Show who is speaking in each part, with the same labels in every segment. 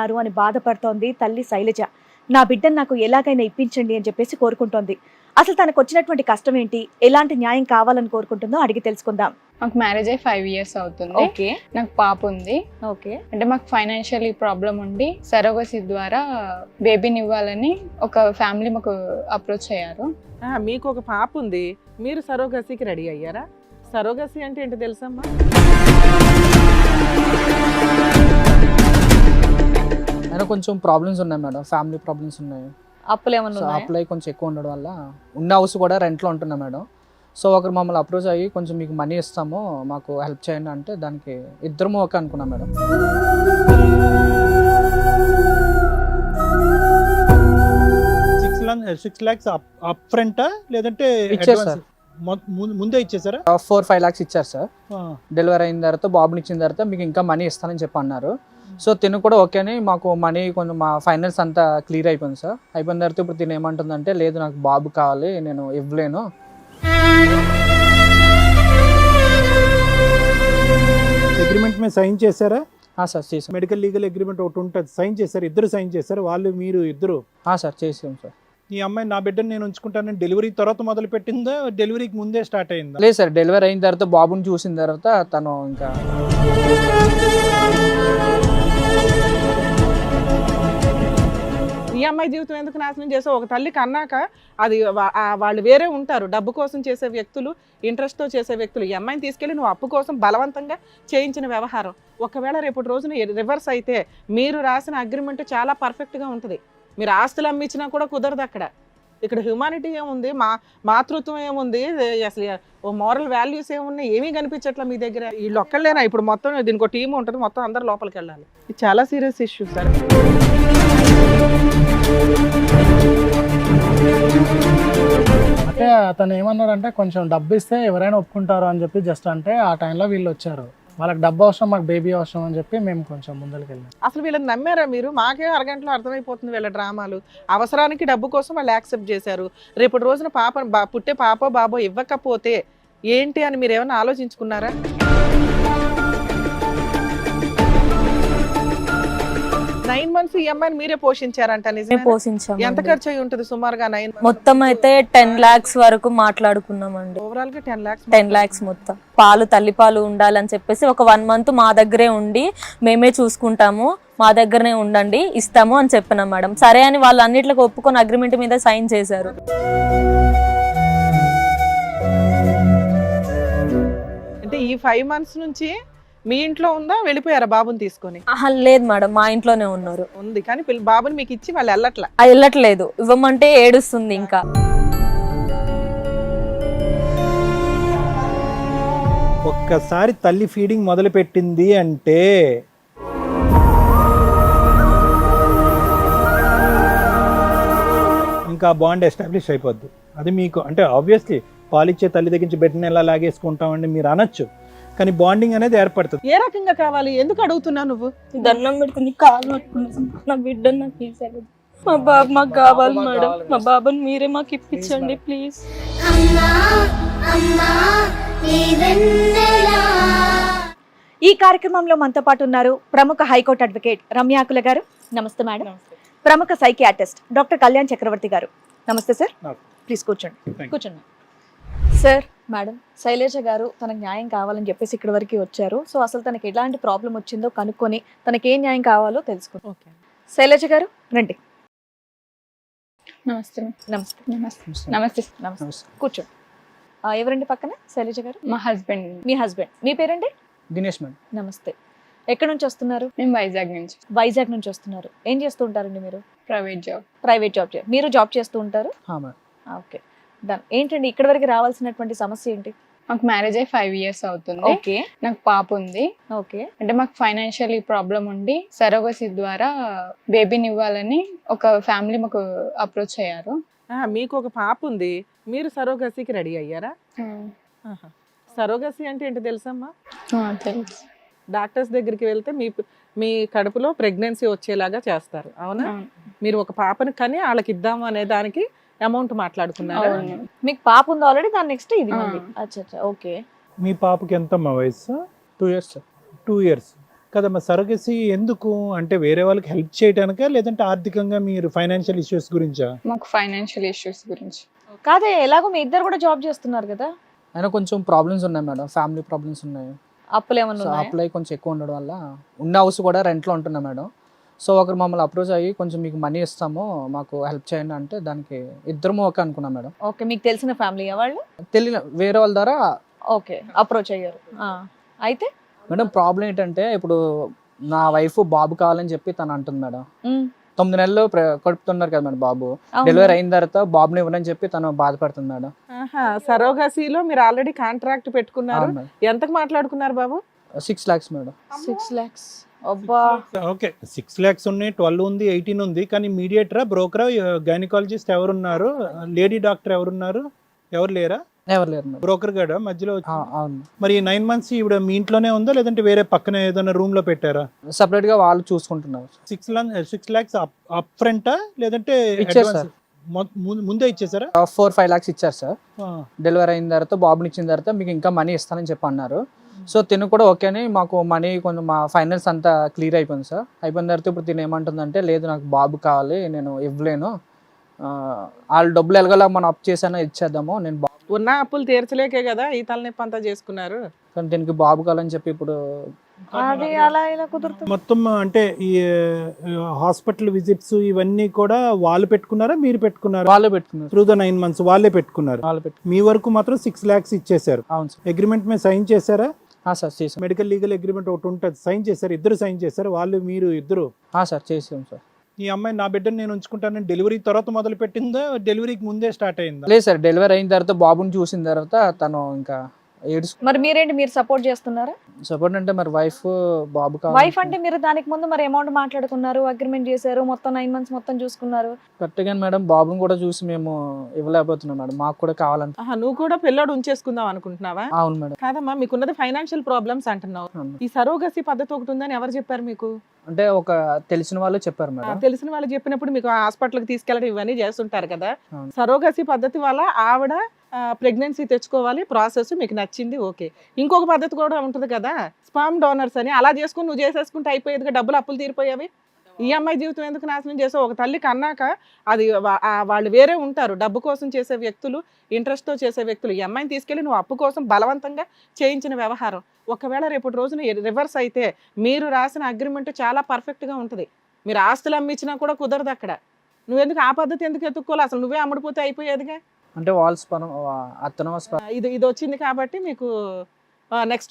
Speaker 1: చేస్తున్నారు అని బాధపడుతోంది తల్లి శైలజ. నా బిడ్డను నాకు ఎలాగైనా ఇప్పించండి అని చెప్పేసి కోరుకుంటోంది. అసలు తనకు వచ్చినటువంటి కష్టం ఏంటి, ఎలాంటి న్యాయం కావాలని కోరుకుంటుందో అడిగి తెలుసుకుందాం.
Speaker 2: మాకు మ్యారేజ్ అయ్యి 5 years అవుతుంది.
Speaker 1: ఓకే,
Speaker 2: నాకు పాప ఉంది.
Speaker 1: ఓకే.
Speaker 2: అంటే మాకు ఫైనాన్షియల్ ప్రాబ్లం ఉండి సరోగసీ ద్వారా బేబీని ఇవ్వాలని ఒక ఫ్యామిలీ మాకు అప్రోచ్ అయ్యారు.
Speaker 3: మీకు ఒక పాప ఉంది, మీరు సరోగసీకి రెడీ అయ్యారా? సరోగసీ అంటే ఏంటో తెలుసమ్మా?
Speaker 4: అయినా కొంచెం ప్రాబ్లమ్స్ ఉన్నాయి మేడం, ఫ్యామిలీ ప్రాబ్లమ్స్ ఉన్నాయి.
Speaker 1: అప్పులు ఏమన్నా ఉన్నాయా?
Speaker 4: అప్లై కొంచెం ఎక్కువ ఉండడం వల్ల ఉన్న హౌస్ కూడా రెంట్లో ఉంటున్నా మేడం. సో ఒకరు మమ్మల్ని అప్రోచ్ అయ్యి కొంచెం మీకు మనీ ఇస్తాము, మాకు హెల్ప్ చేయండి అంటే దానికి ఇద్దరము ఓకే అనుకున్నాం మేడం.
Speaker 5: $6 lakhs అప్ ఫ్రంటా లేదంటే
Speaker 4: ఇచ్చారు సార్,
Speaker 5: ముందే ఇచ్చేసారా?
Speaker 4: 4-5 lakhs ఇచ్చారు సార్. డెలివరీ అయిన తర్వాత బాబుని ఇచ్చిన తర్వాత మీకు ఇంకా మనీ ఇస్తానని చెప్పి అన్నారు. సో తిను కూడా ఓకే అని మాకు మనీ కొంచెం మా ఫైనల్స్ అంతా క్లియర్ అయిపోయింది సార్. అయిపోయిన తర్వాత ఇప్పుడు తిను ఏమంటుందంటే లేదు నాకు బాబు కావాలి, నేను ఇవ్వలేను.
Speaker 5: అగ్రిమెంట్ మీద సైన్ చేశారా?
Speaker 4: సార్ చేసాం.
Speaker 5: మెడికల్ లీగల్ అగ్రిమెంట్ ఒకటి ఉంటుంది, సైన్ చేశారు, ఇద్దరు సైన్ చేశారు, వాళ్ళు మీరు ఇద్దరు?
Speaker 4: సార్ చేసాం సార్.
Speaker 5: ఈ అమ్మాయి నా బిడ్డను నేను ఉంచుకుంటానని డెలివరీ తర్వాత మొదలు పెట్టిందా, డెలివరీకి ముందే స్టార్ట్ అయిందా?
Speaker 4: లేదు సార్, డెలివరీ అయిన తర్వాత బాబుని చూసిన తర్వాత తను ఇంకా
Speaker 3: ఈ అమ్మాయి జీవితం ఎందుకు నాశనం చేసావు? ఒక తల్లికి అన్నాక అది వాళ్ళు వేరే ఉంటారు, డబ్బు కోసం చేసే వ్యక్తులు, ఇంట్రెస్ట్తో చేసే వ్యక్తులు. ఈ అమ్మాయిని తీసుకెళ్ళి నువ్వు అప్పు కోసం బలవంతంగా చేయించిన వ్యవహారం. ఒకవేళ రేపటి రోజున రివర్స్ అయితే మీరు రాసిన అగ్రిమెంట్ చాలా పర్ఫెక్ట్గా ఉంటుంది, మీరు ఆస్తులు అమ్మించినా కూడా కుదరదు. ఇక్కడ హ్యూమానిటీ ఏముంది, మాతృత్వం ఏముంది, అసలు ఓ మోరల్ వాల్యూస్ ఏమున్నాయి, ఏమీ కనిపించట్లా మీ దగ్గర. వీళ్ళు ఒక్కళ్ళేనా? ఇప్పుడు మొత్తం దీనికి ఒక టీం ఉంటుంది, మొత్తం అందరు లోపలికి వెళ్ళాలి. ఇది చాలా సీరియస్ ఇష్యూ సార్.
Speaker 6: అంటే అతను ఏమన్నాడంటే కొంచెం డబ్బు ఇస్తే ఎవరైనా ఒప్పుకుంటారు అని చెప్పి జస్ట్ అంటే ఆ టైంలో వీళ్ళు వచ్చారు, వాళ్ళకి డబ్బు అవసరం, మాకు బేబీ అవసరం అని చెప్పి మేము కొంచెం ముందరికి వెళ్ళాం.
Speaker 3: అసలు వీళ్ళని నమ్మారా మీరు? మాకే అరగంటలో అర్థమైపోతుంది వీళ్ళ డ్రామాలు. అవసరానికి డబ్బు కోసం వాళ్ళు యాక్సెప్ట్ చేశారు. రేపటి రోజున పుట్టే పాపో బాబో ఇవ్వకపోతే ఏంటి అని మీరు ఏమైనా ఆలోచించుకున్నారా? నైన్ మంత్స్ ఈ అమ్మాయిని మీరే పోషించారంట, నిజమే?
Speaker 7: పోషించాం.
Speaker 3: ఎంత ఖర్చు అయి ఉంటుంది సుమారుగా? 9 months
Speaker 7: మొత్తం అయితే 10 lakhs వరకు మాట్లాడుకున్నామండి.
Speaker 3: ఓవరాల్ గా 10
Speaker 7: lakhs మొత్తం. పాలు తల్లిపాలు ఉండాలని చెప్పేసి ఒక 1 month మా దగ్గరే ఉండి మేమే చూసుకుంటాము, మా దగ్గరనే ఉండండి, ఇస్తాము అని చెప్పినాం మేడం. సరే అని వాళ్ళు అన్నిట్లకు ఒప్పుకొని అగ్రిమెంట్ మీద సైన్ చేశారు.
Speaker 3: అంటే ఈ 5 months నుంచి మీ ఇంట్లో ఉందా, వెళ్ళిపోయారా బాబుని తీసుకొని?
Speaker 7: లేదు మేడం, మా ఇంట్లోనే ఉన్నారు.
Speaker 3: ఉంది కానీ బాబుని మీకు ఇచ్చి వాళ్ళు వెళ్ళట్లా?
Speaker 7: వెళ్ళట్లేదు, ఇవ్వమంటే ఏడుస్తుంది. ఇంకా
Speaker 5: ఒక్కసారి తల్లి ఫీడింగ్ మొదలు పెట్టింది అంటే ఇంకా బాండ్ ఎస్టాబ్లిష్ అయిపోద్ది. అది మీకు అంటే ఆబ్వియస్లీ పాలిచ్చే తల్లి దగ్గర నుంచి బిడ్డని ఎలా లాగేసుకుంటామండి మీరు అనొచ్చు, కానీ బాండింగ్ అనేది ఏర్పడుతుంది.
Speaker 3: ఏ రకంగా కావాలి? ఎందుకు అడుగుతున్నావు నువ్వు?
Speaker 7: దండం పెట్టుకుని కాలు పట్టుకున్నాను, నా బిడ్డను నాకు తీసేది. మా బాబు మాకు కావాలి మేడం, మా బాబుని మీరే మాకు ఇప్పించండి ప్లీజ్.
Speaker 1: ఈ కార్యక్రమంలో మనతో పాటు ఉన్నారు ప్రముఖ హైకోర్టు అడ్వకేట్ రమ్యాకుల గారు. నమస్తే మేడం. ప్రముఖ సైకియాట్రిస్ట్ డాక్టర్ కళ్యాణ్ చక్రవర్తి గారు. నమస్తే సార్. ప్లీజ్ కూర్చోండి. సార్, మేడం శైలజ గారు తనకు న్యాయం కావాలని చెప్పేసి ఇక్కడి వరకు వచ్చారు. సో అసలు తనకి ఎలాంటి ప్రాబ్లం వచ్చిందో కనుక్కొని తనకి ఏ న్యాయం కావాలో తెలుసుకుంటాం. ఓకే, శైలజ గారు రండి.
Speaker 2: నమస్తే.
Speaker 1: నమస్తే.
Speaker 2: నమస్తే.
Speaker 1: నమస్తే. కూర్చోండి. ఎవరండి పక్కన? శైలజ గారు
Speaker 2: మా హస్బెండ్.
Speaker 1: మీ హస్బెండ్. మీ పేరండి?
Speaker 4: దినేష్ మేడం.
Speaker 1: నమస్తే. ఎక్కడి నుంచి వస్తున్నారు?
Speaker 2: మేము వైజాగ్ నుంచి.
Speaker 1: వైజాగ్ నుంచి వస్తున్నారు. ఏం చేస్తూ ఉంటారండి మీరు?
Speaker 2: Private job.
Speaker 1: మీరు జాబ్ చేస్తూ ఉంటారు? Okay, done. ఏంటండి ఇక్కడ వరకు రావాల్సినటువంటి సమస్య ఏంటి?
Speaker 2: మాకు మ్యారేజ్ అయ్యి 5 years అవుతుంది.
Speaker 1: ఓకే.
Speaker 2: నాకు పాప ఉంది.
Speaker 1: ఓకే.
Speaker 2: అంటే మాకు ఫైనాన్షియల్ ప్రాబ్లం ఉండి సరోగసీ ద్వారా బేబీని ఇవ్వాలని ఒక ఫ్యామిలీ మాకు అప్రోచ్ అయ్యారు.
Speaker 3: మీకు ఒక పాప ఉంది, మీరు సరోగసీకి రెడీ అయ్యారా? సరోగసీ అంటే ఏంటో తెలుసమ్మా?
Speaker 2: తెలుసు.
Speaker 3: డాక్టర్స్ దగ్గరికి వెళ్తే మీ కడుపులో ప్రెగ్నెన్సీ వచ్చేలాగా చేస్తారు, అవునా? మీరు ఒక పాపని కానీ వాళ్ళకి ఇద్దాము అనే దానికి అమౌంట్ మాట్లాడుకున్నారు.
Speaker 1: మీకు పాప ఉంది ఆల్రెడీ, దాని నెక్స్ట్ ఇది. అచ్చా, ఓకే.
Speaker 5: మీ పాపకి ఎంతమ్మా వయసు?
Speaker 4: 2 years సార్.
Speaker 5: 2 years. కదమ్మా సరగసి ఎందుకు అంటే వేరే వాళ్ళకి హెల్ప్ చేయడానికా లేదంటే ఆర్థికంగా మీరు ఫైనాన్షియల్ ఇష్యూస్ గురించా?
Speaker 2: మాకు ఫైనాన్షియల్ ఇష్యూస్ గురించి.
Speaker 1: కాదే ఎలాగో మీ ఇద్దరు కూడా జాబ్ చేస్తున్నారు కదా,
Speaker 4: అయినా కొంచెం ప్రాబ్లమ్స్ ఉన్నాయి మేడం, ఫ్యామిలీ ప్రాబ్లమ్స్ ఉన్నాయి.
Speaker 1: అప్పులు ఏమన్నా
Speaker 4: సో
Speaker 1: ఉన్నాయా?
Speaker 4: అప్లై కొంచెం ఎక్కువ ఉండడం వల్ల ఉన్న హౌస్ కూడా రెంట్లో ఉంటున్నా మేడం. సో ఒకరు మమ్మల్ని అప్రోచ్ అయ్యి కొంచెం మీకు మనీ ఇస్తాము మాకు హెల్ప్ చేయండి అంటే దానికి ఇద్దరము ఓకే అనుకున్నాం మేడం.
Speaker 1: ఓకే, మీకు తెలిసిన ఫ్యామిలీ వాళ్ళు
Speaker 4: తెలియని వేరే వాళ్ళ ద్వారా.
Speaker 1: ఓకే అప్రోచ్ అయ్యారు. అయితే
Speaker 4: మేడం ప్రాబ్లం ఏంటంటే ఇప్పుడు నా వైఫ్ బాబు కావాలని చెప్పి తను అంటుంది మేడం.
Speaker 1: ఉమ్,
Speaker 4: 9 నెలలు కడుపుతున్నారు కదా మేడం బాబు.
Speaker 1: అవును.
Speaker 4: డెలివరీ అయిన తర్వాత బాబుని ఇవ్వనని చెప్పి తను బాధపడుతుంది మేడం.
Speaker 3: సరోగసీలో మీరు ఆల్రెడీ కాంట్రాక్ట్ పెట్టుకున్నారు.
Speaker 4: అవును మేడం.
Speaker 3: ఎంతకు మాట్లాడుకున్నారు బాబు?
Speaker 4: 6 lakhs మేడం.
Speaker 1: 6 lakhs. అబ్బా,
Speaker 5: ఓకే 6 lakhs ఉన్నాయి, 12 ఉంది, 18 ఉంది. కానీ మీడియేటరా, బ్రోకరా, గైనకాలజిస్ట్ ఎవరున్నారు? లేడీ డాక్టర్ ఎవరున్నారు? ఎవరు లేరా?
Speaker 4: ఎవరు లేరు మేడం.
Speaker 5: బ్రోకర్ గడా మధ్యలో వచ్చి?
Speaker 4: అవును.
Speaker 5: మరి 9 months ఈవిడ మీ ఇంట్లోనే ఉందా లేదంటే వేరే పక్కన ఏదైనా రూమ్ లో పెట్టారా?
Speaker 4: సపరేట్ గా వాళ్ళు చూసుకుంటున్నారు.
Speaker 5: 6 lakhs అప్ ఫ్రంటా లేదంటే
Speaker 4: ఇచ్చారు
Speaker 5: advance?
Speaker 4: సార్.
Speaker 5: ముందే ఇచ్చేసారా?
Speaker 4: 4-5 lakhs ఇచ్చారు సార్.
Speaker 5: ఆ.
Speaker 4: డెలివరీ అయిన తర్వాత బాబుని ఇచ్చిన తర్వాత మీకు ఇంకా మనీ ఇస్తానని చెప్పి అన్నారు. సో తిను కూడా ఓకే అని మాకు మనీ కొంచెం మా ఫైనల్స్ అంతా క్లియర్ అయిపోయింది సార్. అయిపోయిన తర్వాత ఇప్పుడు తిను ఏమంటుందంటే లేదు నాకు బాబు కావాలి, నేను ఇవ్వలేను, వాళ్ళు డబ్బులు ఎలాగోలా మనం అప్ చేసానో ఇచ్చేద్దాము, నేను బాబు
Speaker 3: ఉన్న అప్పులు తీర్చలేకే కదా ఈ తలనొప్పి అంతా చేసుకున్నారు.
Speaker 4: కానీ దీనికి బాబు కావాలని చెప్పి ఇప్పుడు
Speaker 1: అది అలా ఇలా కుదురుతుంది.
Speaker 5: మొత్తం అంటే ఈ హాస్పిటల్ విజిట్స్ ఇవన్నీ కూడా వాళ్ళు పెట్టుకున్నారా మీరు పెట్టుకున్నారా?
Speaker 4: వాళ్ళే పెట్టుకున్నారు.
Speaker 5: త్రూ ద 9 months వాళ్ళే పెట్టుకున్నారు.
Speaker 4: వాళ్ళు పెట్టు.
Speaker 5: మీ వరకు మాత్రం 6 lakhs ఇచ్చేసారు.
Speaker 4: అవును సార్.
Speaker 5: అగ్రిమెంట్ మీద సైన్ చేశారా?
Speaker 4: సార్ చేసాం.
Speaker 5: మెడికల్ లీగల్ అగ్రిమెంట్ ఒకటి ఉంటుంది, సైన్ చేశారు, ఇద్దరు సైన్ చేశారు, వాళ్ళు మీరు ఇద్దరు.
Speaker 4: సార్ చేసాం సార్.
Speaker 5: ఈ అమ్మాయి నా బిడ్డను నేను ఉంచుకుంటానని డెలివరీ తర్వాత మొదలు పెట్టిందా, డెలివరీకి ముందే స్టార్ట్ అయిందా?
Speaker 4: లేదు సార్, డెలివరీ అయిన తర్వాత బాబుని చూసిన తర్వాత తను ఇంకా ఏడుచుకుంటూ
Speaker 1: మరి మీరేంటి, మీరు సపోర్ట్ చేస్తున్నారా?
Speaker 4: సపోర్ట్ అంటే మరి వైఫ్ బాబు
Speaker 1: వైఫ్ అంటే మీరు దానికి ముందు మరి అమౌంట్ మాట్లాడుకున్నారు, అగ్రిమెంట్ చేశారు, మొత్తం 9 months మొత్తం చూసుకున్నారు.
Speaker 4: కరెక్ట్గా మేడం బాబుని కూడా చూసి మేము ఇవ్వలేకపోతున్నాం మేడం, మాకు కూడా కావాలంటే.
Speaker 3: నువ్వు కూడా పిల్లోడు ఉంచేసుకుందాం అనుకుంటున్నావా?
Speaker 4: అవును మేడం.
Speaker 3: కాదమ్మా, మీకున్నది ఫైనాన్షియల్ ప్రాబ్లమ్స్ అంటున్నావు.
Speaker 4: అవును.
Speaker 3: ఈ సరోగసి పద్ధతి ఒకటి ఉందని ఎవరు చెప్పారు మీకు?
Speaker 4: అంటే ఒక తెలిసిన వాళ్ళు చెప్పారు మేడం.
Speaker 3: తెలిసిన వాళ్ళు చెప్పినప్పుడు మీకు హాస్పిటల్కి తీసుకెళ్ళడం ఇవన్నీ చేస్తుంటారు కదా.
Speaker 4: అవును.
Speaker 3: సరోగసి పద్ధతి వల్ల ఆవిడ ప్రెగ్నెన్సీ తెచ్చుకోవాలి, ప్రాసెస్ మీకు నచ్చింది, ఓకే. ఇంకొక పద్ధతి కూడా ఉంటుంది కదా, స్పామ్ డోనర్స్ అని. అలా చేసుకుని నువ్వు చేసేసుకుంటే అయిపోయేదిగా, డబ్బులు అప్పులు తీరిపోయావి. ఈ అమ్మాయి జీవితం ఎందుకు నాశనం చేసావు? ఒక తల్లి కన్నాక అది వాళ్ళు వేరే ఉంటారు, డబ్బు కోసం చేసే వ్యక్తులు, ఇంట్రెస్ట్తో చేసే వ్యక్తులు. ఈ అమ్మాయిని తీసుకెళ్ళి నువ్వు అప్పు కోసం బలవంతంగా చేయించిన వ్యవహారం. ఒకవేళ రేపటి రోజున రివర్స్ అయితే మీరు రాసిన అగ్రిమెంట్ చాలా పర్ఫెక్ట్గా ఉంటుంది, మీరు ఆస్తులు అమ్మించినా కూడా కుదరదు అక్కడ. నువ్వెందుకు ఆ పద్ధతి ఎందుకు ఎత్తుక్కోవాలి? అసలు నువ్వే అమ్ముడిపోతే అయిపోయేదిగా.
Speaker 4: అంటే వాళ్ళ స్పరం అతను
Speaker 3: ఇది వచ్చింది కాబట్టి మీకు నెక్స్ట్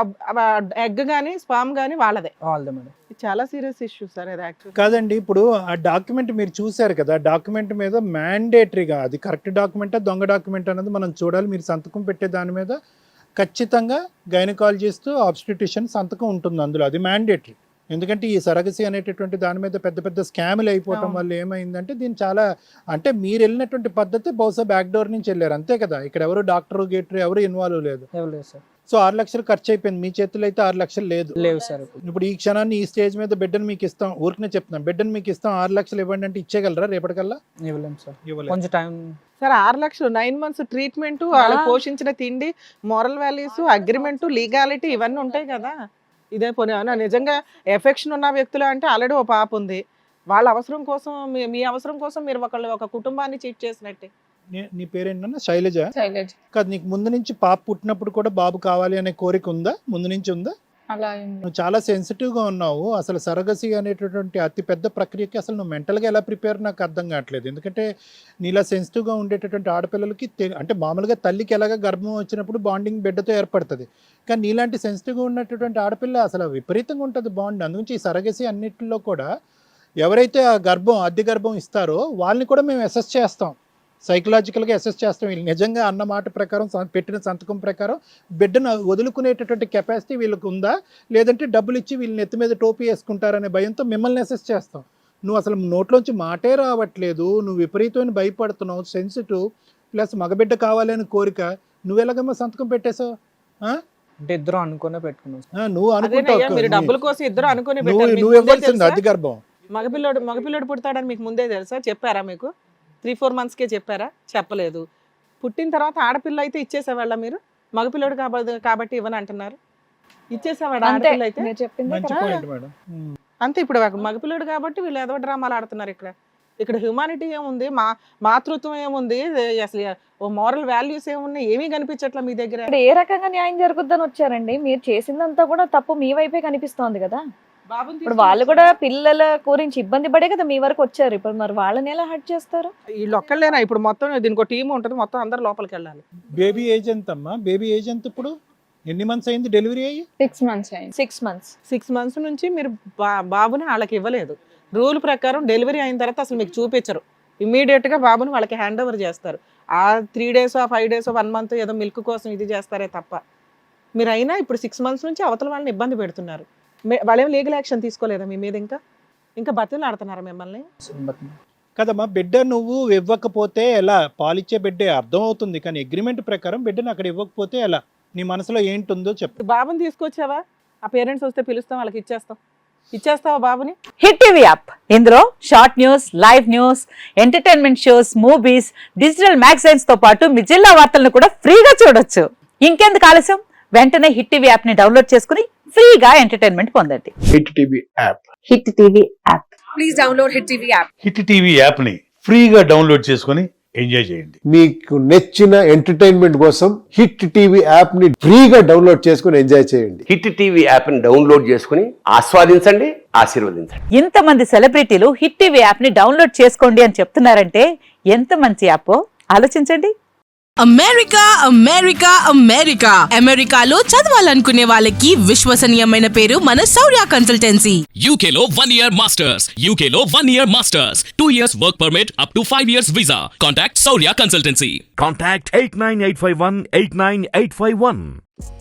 Speaker 3: ఎగ్ కానీ స్పామ్ కానీ వాళ్ళదే.
Speaker 4: వాళ్ళదే మేడం.
Speaker 3: ఇది చాలా సీరియస్ ఇష్యూ సార్ అది యాక్చువల్.
Speaker 5: కాదండి, ఇప్పుడు ఆ డాక్యుమెంట్ మీరు చూశారు కదా, డాక్యుమెంట్ మీద మ్యాండేటరీగా అది కరెక్ట్ డాక్యుమెంటా దొంగ డాక్యుమెంట్ అనేది మనం చూడాలి. మీరు సంతకం పెట్టే దాని మీద ఖచ్చితంగా గైనకాలజిస్ట్ ఆబ్స్టిట్యూషన్ సంతకం ఉంటుంది అందులో, అది మ్యాండేటరీ. ఎందుకంటే ఈ సరగసి అనేటటువంటి దాని మీద పెద్ద పెద్ద స్కాములు అయిపోవటం వల్ల ఏమైందంటే దీన్ని చాలా అంటే మీరు వెళ్ళినటువంటి పద్ధతి బహుశా బ్యాక్ డోర్ నుంచి వెళ్ళారు అంతే కదా, ఇక్కడ ఎవరు డాక్టర్ గేటర్ ఎవరు ఇన్వాల్వ్ లేదు.
Speaker 4: లేదు సార్.
Speaker 5: సో 6 లక్షలు ఖర్చు అయిపోయింది, మీ చేతుల్లో అయితే 6 లక్షలు లేదు.
Speaker 4: లేవు సార్.
Speaker 5: ఇప్పుడు ఈ క్షణాన్ని ఈ స్టేజ్ మీద బిడ్డను మీకు ఇస్తాం, ఊరికనే చెప్తున్నాం, బిడ్డను మీకు ఇస్తాం 6 లక్షలు ఇవ్వండి అంటే ఇచ్చేయగలరా రేపటికల్లా?
Speaker 4: ఇవ్వలేము సార్,
Speaker 5: ఇవ్వలేదు.
Speaker 4: కొంచెం టైం.
Speaker 3: సార్ 6 లక్షలు 9 months ట్రీట్మెంట్, వాళ్ళకి పోషించిన తిండి, మోరల్ వాల్యూస్, అగ్రిమెంట్, లీగాలిటీ ఇవన్నీ ఉంటాయి కదా. ఇదే పోనీ నిజంగా ఎఫెక్షన్ ఉన్న వ్యక్తులు అంటే ఆల్రెడీ ఒక పాప ఉంది, వాళ్ళ అవసరం కోసం మీ అవసరం కోసం మీరు ఒక కుటుంబాన్ని చీట్ చేసినట్టే.
Speaker 5: నీ పేరేంటన్నా? శైలజ?
Speaker 2: శైలజ.
Speaker 5: కాదు, నీకు ముందు నుంచి పాప పుట్టినప్పుడు కూడా బాబు కావాలి అనే కోరిక ఉందా? ముందు నుంచి ఉందా?
Speaker 2: అలా ఏం లేదు.
Speaker 5: నువ్వు చాలా సెన్సిటివ్గా ఉన్నావు. అసలు సరగసి అనేటటువంటి అతి పెద్ద ప్రక్రియకి అసలు నువ్వు మెంటల్గా ఎలా ప్రిపేర్ నాకు అర్థం కావట్లేదు. ఎందుకంటే నీలా సెన్సిటివ్గా ఉండేటటువంటి ఆడపిల్లలకి అంటే మామూలుగా తల్లికి ఎలాగ గర్భం వచ్చినప్పుడు బాండింగ్ బిడ్డతో ఏర్పడుతుంది, కానీ నీలాంటి సెన్సిటివ్గా ఉన్నటువంటి ఆడపిల్ల అసలు విపరీతంగా ఉంటుంది బాండ్. అందుగురించి ఈ సరగసి అన్నిటిలో కూడా ఎవరైతే ఆ అద్దె గర్భం ఇస్తారో వాళ్ళని కూడా మేము అసెస్ చేస్తాం, సైకలాజికల్గా అసెస్ చేస్తాం. వీళ్ళు నిజంగా అన్న మాట ప్రకారం పెట్టిన సంతకం ప్రకారం బిడ్డను వదులుకునేటటువంటి కెపాసిటీ వీళ్ళకి ఉందా, లేదంటే డబ్బులు ఇచ్చి వీళ్ళని ఎత్తి మీద టోపీ వేసుకుంటారనే భయంతో మిమ్మల్ని అసెస్ చేస్తాం. నువ్వు అసలు నోట్లోంచి మాటే రావట్లేదు, నువ్వు విపరీతమైన భయపడుతున్నావు, సెన్సిటివ్ ప్లస్ మగబిడ్డ కావాలి అని కోరిక, నువ్వు ఎలాగమ్మా సంతకం పెట్టేశావు?
Speaker 4: అంటే ఇద్దరు అనుకునే పెట్టుకున్నాం.
Speaker 5: నువ్వు
Speaker 3: అదేనయ్యా, మీరు డబ్బుల కోసం ఇద్దరు అనుకుని
Speaker 5: నువ్వు ఇవ్వాల్సింది అద్దె గర్భం.
Speaker 3: మగపిల్లడు పుడతాడని మీకు ముందే తెలుసా? చెప్పారా మీకు? 3-4 monthsకే చెప్పారా? చెప్పలేదు. పుట్టిన తర్వాత ఆడపిల్ల అయితే ఇచ్చేసేవాళ్ళ మీరు? మగపిల్లడు కాబట్టి ఇవ్వని అంటున్నారు. ఇచ్చేసావాడు
Speaker 2: అంతే
Speaker 3: ఆడపిల్ల అయితే
Speaker 2: మీరు చెప్పింది
Speaker 5: మంచి
Speaker 2: correct.
Speaker 5: Point madam.
Speaker 3: అంతే. ఇప్పుడు మగపిల్లడు కాబట్టి వీళ్ళు ఏదో డ్రామాలు ఆడుతున్నారు ఇక్కడ హ్యూమానిటీ ఏముంది, మాతృత్వం ఏముంది, అసలు ఓ మోరల్ వాల్యూస్ ఏమున్నాయి, ఏమీ కనిపించట్లా మీ దగ్గర.
Speaker 1: ఇక్కడ ఏ రకంగా న్యాయం జరుగుద్దని వచ్చారండి? మీరు చేసిందంతా కూడా తప్పు మీ వైపే కనిపిస్తోంది కదా.
Speaker 3: బాబుని
Speaker 1: ఇప్పుడు వాళ్ళు కూడా పిల్లల గురించి ఇబ్బంది పడే కదా మీ వరకు వచ్చారు. ఇప్పుడు మరి వాళ్ళని ఎలా హర్ట్ చేస్తారు?
Speaker 3: వీళ్ళు ఒక్కళ్ళేనా ఇప్పుడు మొత్తం దీనికి టీం ఉంటుంది, మొత్తం అందరు లోపలికి వెళ్ళాలి.
Speaker 5: బేబీ ఏజ్ ఎంత అమ్మా? బేబీ ఏజ్ ఎంత ఇప్పుడు? ఎన్ని మంత్స్ అయింది డెలివరీ అయ్యి?
Speaker 2: 6 months అయింది.
Speaker 1: 6 months.
Speaker 3: 6 months నుంచి మీరు బాబుని వాళ్ళకి ఇవ్వలేదు. రూల్ ప్రకారం డెలివరీ అయిన తర్వాత అసలు మీకు చూపించరు, ఇమీడియట్ గా బాబుని వాళ్ళకి హ్యాండ్ ఓవర్ చేస్తారు. ఆ 3 days 5 days 1 month ఏదో మిల్క్ కోసం ఇది చేస్తారే తప్ప. మీరు అయినా ఇప్పుడు 6 months నుంచి అవతల వాళ్ళని ఇబ్బంది పెడుతున్నారు. వాళ్ళేం లీగల్ యాక్షన్ తీసుకోలేదా మీ మీద? ఇంకా బతులు ఆడుతున్నారా మిమ్మల్ని?
Speaker 5: కదమ్మా, బిడ్డ నువ్వు ఇవ్వకపోతే ఎలా? పాలిచ్చే బిడ్డే అర్థం అవుతుంది, కానీ అగ్రిమెంట్ ప్రకారం బిడ్డను అక్కడ ఇవ్వకపోతే ఎలా? నీ మనసులో ఏంటుందో చెప్పు.
Speaker 3: బాబుని తీసుకొచ్చావా? ఆ పేరెంట్స్ వస్తే పిలుస్తాం, వాళ్ళకి ఇచ్చేస్తావా బాబుని?
Speaker 8: హిట్ టీవీ యాప్, ఇందులో short news, live news, entertainment shows, movies, digital magazines తో పాటు మీ జిల్లా వార్తలను కూడా ఫ్రీగా చూడొచ్చు. ఇంకెందుకు ఆలస్యం? వెంటనే హిట్ టీవీ యాప్ ని డౌన్లోడ్ చేసుకుని ఫ్రీగా ఎంటర్టైన్మెంట్ పొందండి.
Speaker 9: Hit TV app.
Speaker 8: Hit TV app.
Speaker 1: Please download hit TV app.
Speaker 10: Hit TV యాప్ని ఫ్రీగా డౌన్లోడ్ చేసుకొని ఎంజాయ్ చేయండి.
Speaker 9: మీకు నచ్చిన ఎంటర్టైన్మెంట్ కోసం హిట్ టీవీ యాప్ ని ఫ్రీగా డౌన్లోడ్ చేసుకుని ఎంజాయ్ చేయండి.
Speaker 11: హిట్ టీవీ యాప్ని డౌన్లోడ్ చేసుకుని ఆస్వాదించండి, ఆశీర్వదించండి.
Speaker 8: ఇంతమంది సెలబ్రిటీలు హిట్ టీవీ యాప్ ని డౌన్లోడ్ చేసుకోండి అని చెప్తున్నారంటే ఎంత మంచి యాప్ ఆలోచించండి.
Speaker 12: అమెరికా అమెరికా అమెరికా అమెరికాలో చదవాలనుకునే వాళ్ళకి విశ్వసనీయమైన పేరు మన శౌర్య కన్సల్టెన్సీ.
Speaker 13: UKలో 1 year masters. UKలో 1 year masters. 2 years work permit up to 5 years visa. Contact Saurya Consultancy.
Speaker 14: Contact 89851 89851.